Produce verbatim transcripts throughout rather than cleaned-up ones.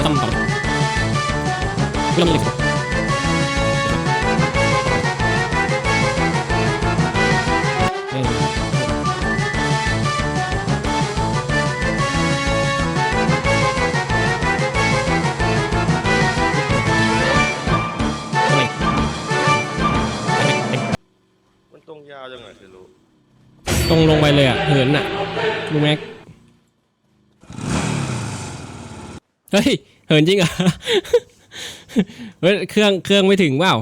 ต่ำต่ำไม่ต้องมีเหล็กเออมันตรงยาวจังไงคือรู้ตรงลงไปเลยอ่ะเหินอ่ะลุงแม็กเฮ้ยเหินจริงเหรอเฮ้ยเครื่องเครื่องไม่ถึงเปล่า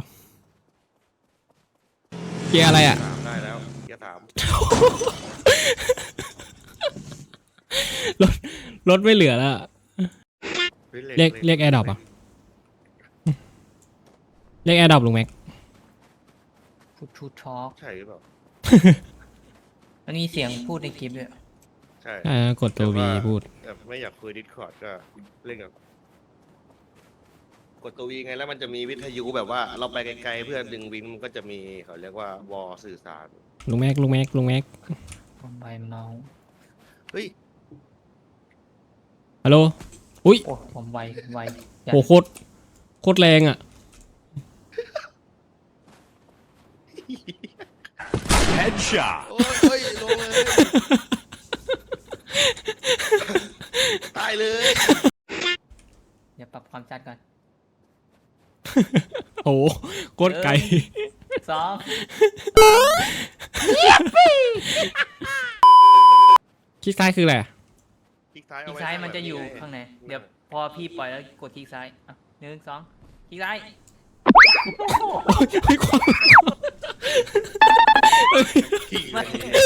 เกียร์อะไรอ่ะถามได้แล้วแกถามรถรถไม่เหลือแล้วอะเรียกเรียกแอร์ดรอปอ่ะเรียกแอร์ดรอปลุงแม็กพูดทูทอล์กใช่หรือเปล่ามันมีเสียงพูดในคลิปด้วยใช่อ่ากดตัว V พูดแบบไม่อยากคุยดิสคอร์ดก็เล่นกับกดตัววีไงแล้วมันจะมีวิทยุแบบว่าเราไปไกลๆเพื่อดึงวินมันก็จะมีเขาเรียกว่าวอลสื่อสารลุงแม็กลุงแม็กลุงแม็กผมใบเมาส์เฮ้ยฮัลโหลอุ้ยโอ้ผมไวไวจัดโหโคตรโคตรแรงอ่ะ Headshot. โอ้ยโอ้ยลงเลยตายเลยเดี๋ยวปรับความชัดก่อนโหโคตรไกลสองคลิกซ้ายคืออะไรคลิกซ้ายคเอาลิกไว้ซ้ายมันจะอยู่แบบข้างในเดี๋ยวพอพี่ปล่อยแล้วกดคลิกซ้ายอ่ะหนึ่งสองคลิกซ้ายไม่ความขี่ไม่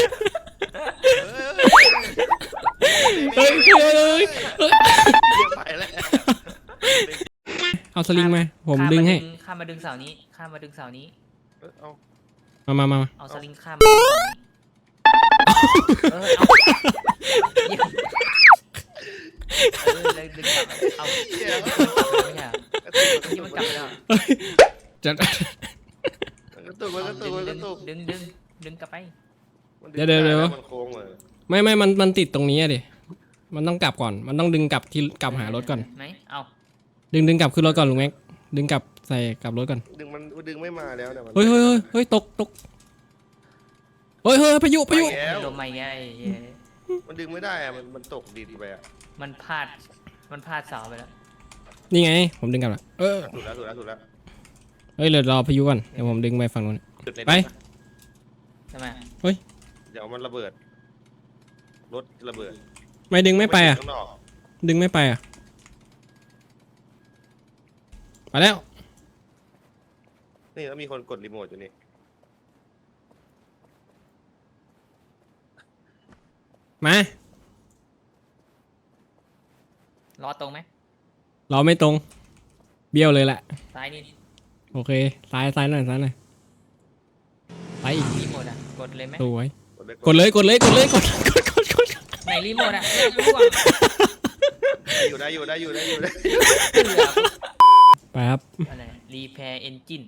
เฮ้ยเฮ้ยเฮ้ยเฮ้ยเฮ้ยไปแล้วเอาสลิงมาผมดึงให้ข้ามมาดึงเสานี้ข้ามมาดึงเสานี้เอามามามามาเอาสลิงข้ามมาดึงเสานี้เออเอาเยี่ยมเออเลยดึงกลับเอาเหี้ยไม่ใช่เหรอที่มันกลับไปแล้วจะกระตุกมันกระตุกมันกระตุกดึงดึงดึงกลับไปมันเดี๋ยวเดี๋ยวเดี๋ยวมันโค้งเลยไม่ไม่มันมันติดตรงนี้อะดิมันต้องกลับก่อน มันต้องดึงกลับที่กลับหารถก่อนไหมเอาดึงดึงกลับขึ้นรถก่อนลุงแม็กดึงกลับใส่กลับรถก่อนดึงมันดึงไม่มาแล้วเนี่ยมันเฮ้ยเฮ้ยเฮ้ยเฮ้ยตกตกเฮ้ยเฮ้ยพายุพายุไปแล้วโดนไม่ไงไอ้เหี้ยมันดึงไม่ได้อะมันมันตกดินไปอะมันพลาดมันพลาดเสาไปแล้วนี่ไงผมดึงกลับละเออถูกแล้วถูกแล้วถูกแล้วเฮ้ยเดี๋ยวรอพายุก่อนเดี๋ยวผมดึงไปฝั่งนู้นจุดในไปใช่ไหมเดี๋ยวมันระเบิดรถระเบิดไม่ดึงไม่ไปอ่ะข้างนอกดึงไม่ไปอ่ะไปแล้วนี่แล้วมีคนกดรีโมทอยู่นี่มารอตรงไหมรอไม่ตรงเบี้ยวเลยแหละซ้ายนี่โอเคซ้ายซ้ายหน่อยซ้ายหน่อยไปอีกรีโมทอ่ะกดเลยไหมสวยกดเลยกดเลยกดเลยกดเลยกดกดกดกดไหนรีโมทอ่ะไม่รู้อ่ะอยู่ได้อยู่ได้อยู่ได้อยู่ได้เหลือไปครับอะไรรีแพร์เอนจิน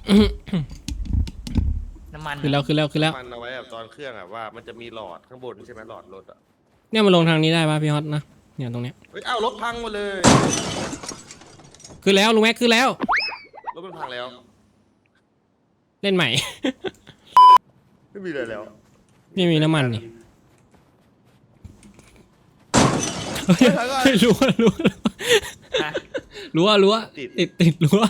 น้ำมันขึ้นแล้วขึ้นแล้วขึ้นแล้วมันเอาไว้แบบตอนเครื่องอะว่ามันจะมีหลอดข้างบนใช่ไหมหลอดรถอะเนี่ยมันลงทางนี้ได้ป่ะพี่ฮอตนะเนี่ยตรงเนี้ยเฮ้ยอ้าวรถพังหมดเลยขึ้นแล้วลุงแม็กขึ้นแล้วรถมันพังแล้วเล่นใหม่ไม่มีอะไรแล้วไม่มีน้ำมันนี่เฮ้ยเฮ้ยรั้วรั้วฮะรั้วรั้วติดติดรั้ว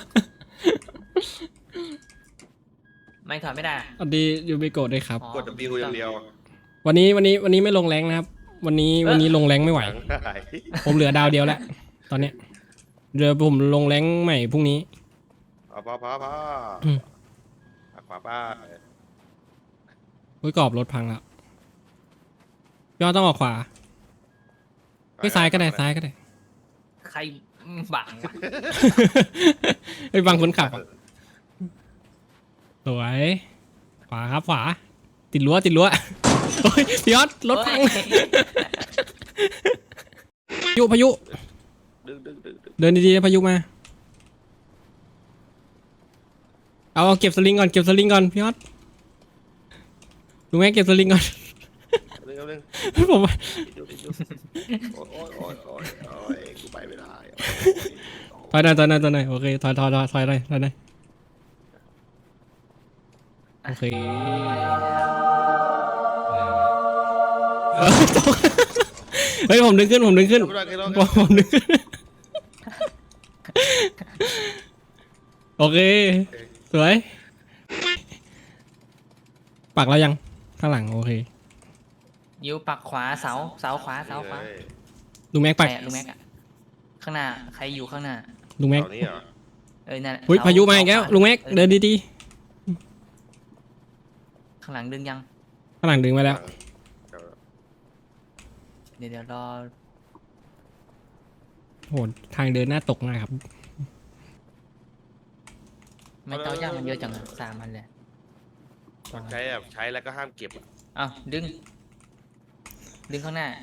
ไม่ถอดไม่ได้อะสวัสดียูบิโกะด้วยครับอ๋อกด W อย่างเดียววันนี้วันนี้วันนี้ไม่ลงแรงนะครับ วันนี้วันนี้ลงแรงไม่ไหวหลังหายผมเหลือดาวเดียวแล้วตอนเนี้ยเดี๋ยวผมลงแรงใหม่พรุ่งนี้เอาพอพอพออืมขวาป้าอุ้ยกรอบรถพังแล้วพี่ฮอตต้องออกขวาไม่ซ้ายก็ได้ซ้ายก็ได้ใครบังวะไปบังคนขับอะสวยขวาครับขวา ติดรั้วติดรั้วโอ้ยพี่ฮอตรถพังเฮ้ยพายุพายุดึงดึงดึงดึงเดินดีๆนะพายุมา เอาเอาเก็บสลิงก่อนเก็บสลิงก่อนพี่ฮอตลุงแม่เก็บสลิงก่อนดึงดึงผมว่าดึงดึงโอ้ยโอ้ยโอ้ยโอ้ยกูไปไม่ได้ถอยหน่อยถอยหน่อยถอยหน่อยโอเคถอยถอยถอยถอยหน่อยถอยหน่อยโอเคเออตกเฮ้ยผมดึงขึ้นผมดึงขึ้นไม่ได้ไม่ได้ผมผมดึงขึ้นโอเคสวยปักแล้วยังข้างหลังโอเคยิวปักขวาเสาเสาขวาเสาขวาลุงแม็กปักแปะลุงแม็กอะข้างหน้าใครอยู่ข้างหน้าลุงแม็กเสานี้เหรอเออนั่นแหละอุ้ยเสพายุมาอีกแล้วลุงแม็กเดินดีข้างหลังดึงยังๆข้างหลังดึงมาแล้วเดี๋ยวเดี๋ยวรอโหทางเดินหน้าตกมากครับไม่เต้าย่างมันเยอะจังอะสามพันเลยใช้แบบใช้แล้วก็ห้ามเก็บอะอ้าวดึง ดึงข้างหน้า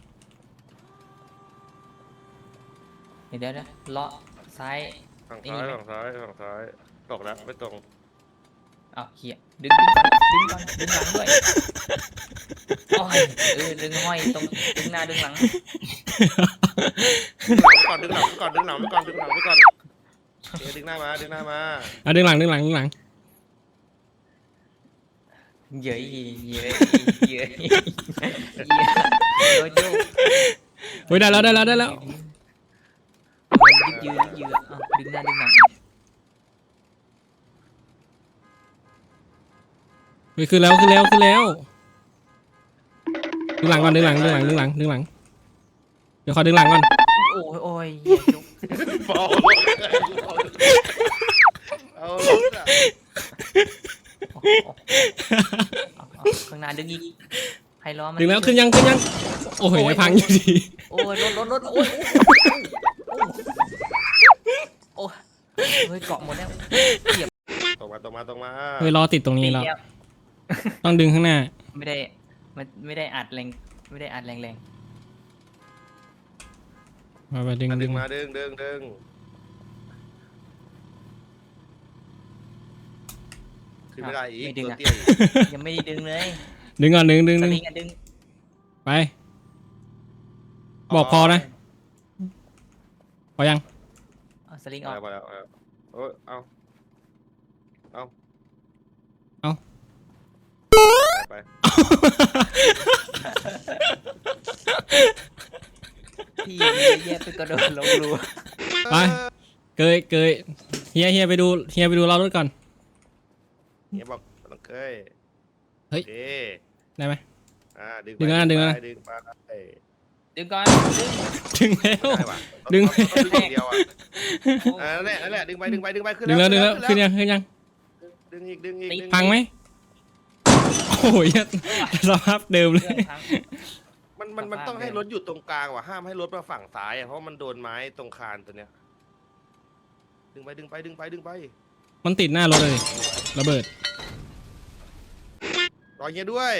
เดี๋ยวเดี๋ยวเดี๋ยวเลาะซ้ายฝั่งซ้ายฝั่งซ้ายฝั่งซ้ายตกแล้วไม่ตรงอ้าวเหี้ยดึงดึงก่อนดึงก่อนดึงหลังด้วยโอ้ยเออดึงห้อยตรงดึงหน้าดึงหลังดึงหลังก่อนดึงหลังก่อนดึงหลังก่อนดึงหลังก่อนเดี๋ยวดึงหน้ามาดึงหน้ามาอ่ะดึงหลังดึงหลังดึงหลังเยอะอีเยอะอีเยอะอีเยอะโยโย่เฮ้ยได้แล้วได้แล้วได้แล้วมันยึกยืดยึกยืดอ่ะดึงหน้าดึงหลังเฮ้ยขึ้นแล้วขึ้นแล้วขึ้นแล้วดึงหลังก่อนดึงหลังดึงหลังดึงหลังดึงหลังเดี๋ยวขอดึงหลังก่อนโอ้ยโอ้ยเหี้ยจุกเบาเอาลงอ่ะเอาเอาเอาข้างหน้าดึงอีกให้ล้อมันดึงแล้วขึ้นยังขึ้นยังโอ้ยพังอยู่ดีโอ้ยรถรถรถโอ้ยโอ้ยเฮ้ยเกาะหมดแล้วเหยียบตรงมาตรงมาตรงมาเฮ้ยรอติดตรงนี้แล้วปีกต้องดึงข้างหน้าไม่ได้มันไม่ได้อัดแรงไม่ได้อัดแรงแรงมาไปดึงดึดึงงมาดึงดึงดึงขึ้นไม่ได้อีกตัวเตี้ยอีกยังไม่ได้ดึงเลยดึงก่อนดึงดึงสดึงลิงอะดึงไปบอกพอนะพอยังเอาสลิงออกเอามาแล้วเอาแล้วเออเอาเอาเอาไปพี่แย่ไปกระโดดลงรูไปเกยเกยเฮียเฮียไปดูเฮียไปดูเรารถก่อนเนี่ยบอกต้องเคยเฮ้ยโอเคได้ไหมอ่าดึงดึงแล้วนะดึงแล้วนะดึงไปดึงก่อนดึงดึงแล้วได้ว่ะดึงต้องดึงอย่างเดียวอ่ะอ่านั่นแหละนั่นแหละดึงไปดึงไปดึงไปขึ้นดึงแล้วดึงแล้วขึ้ขึ้นนยังขึ้นยังดึงอีกดึงอีกดึงอีกพังไหมโอ้ยสภาพเดิมเลเรื่องยทั้งมันมันมันสภาพต้องให้เดิมรถอยู่ตรงกลางว่ะห้ามให้รถมาฝั่งซ้ายอ่ะเพราะมันโดนไม้ตรงคานตัวเนี้ยดึงไปดึงไปดึงไปดึงไปมันติดหน้ารถเลยระเบิดรอเงี้ยด้วย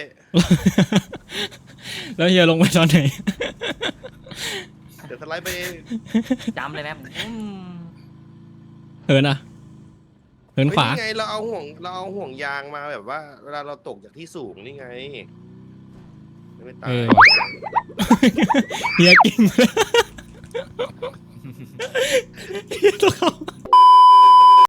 แล้วเฮียลงไปตอนไหนเดี๋ยวสไลด์ไปเองจำเลยไหมอืมเหินอ่ะเหินขวาเฮ้ยนี่ไงเราเอาห่วงเราเอาห่วงยางมาแบบว่า เวลาเราตกจากที่สูงนี่ไงไม่ตายเออเฮียกิ้งเฮียตัวเขา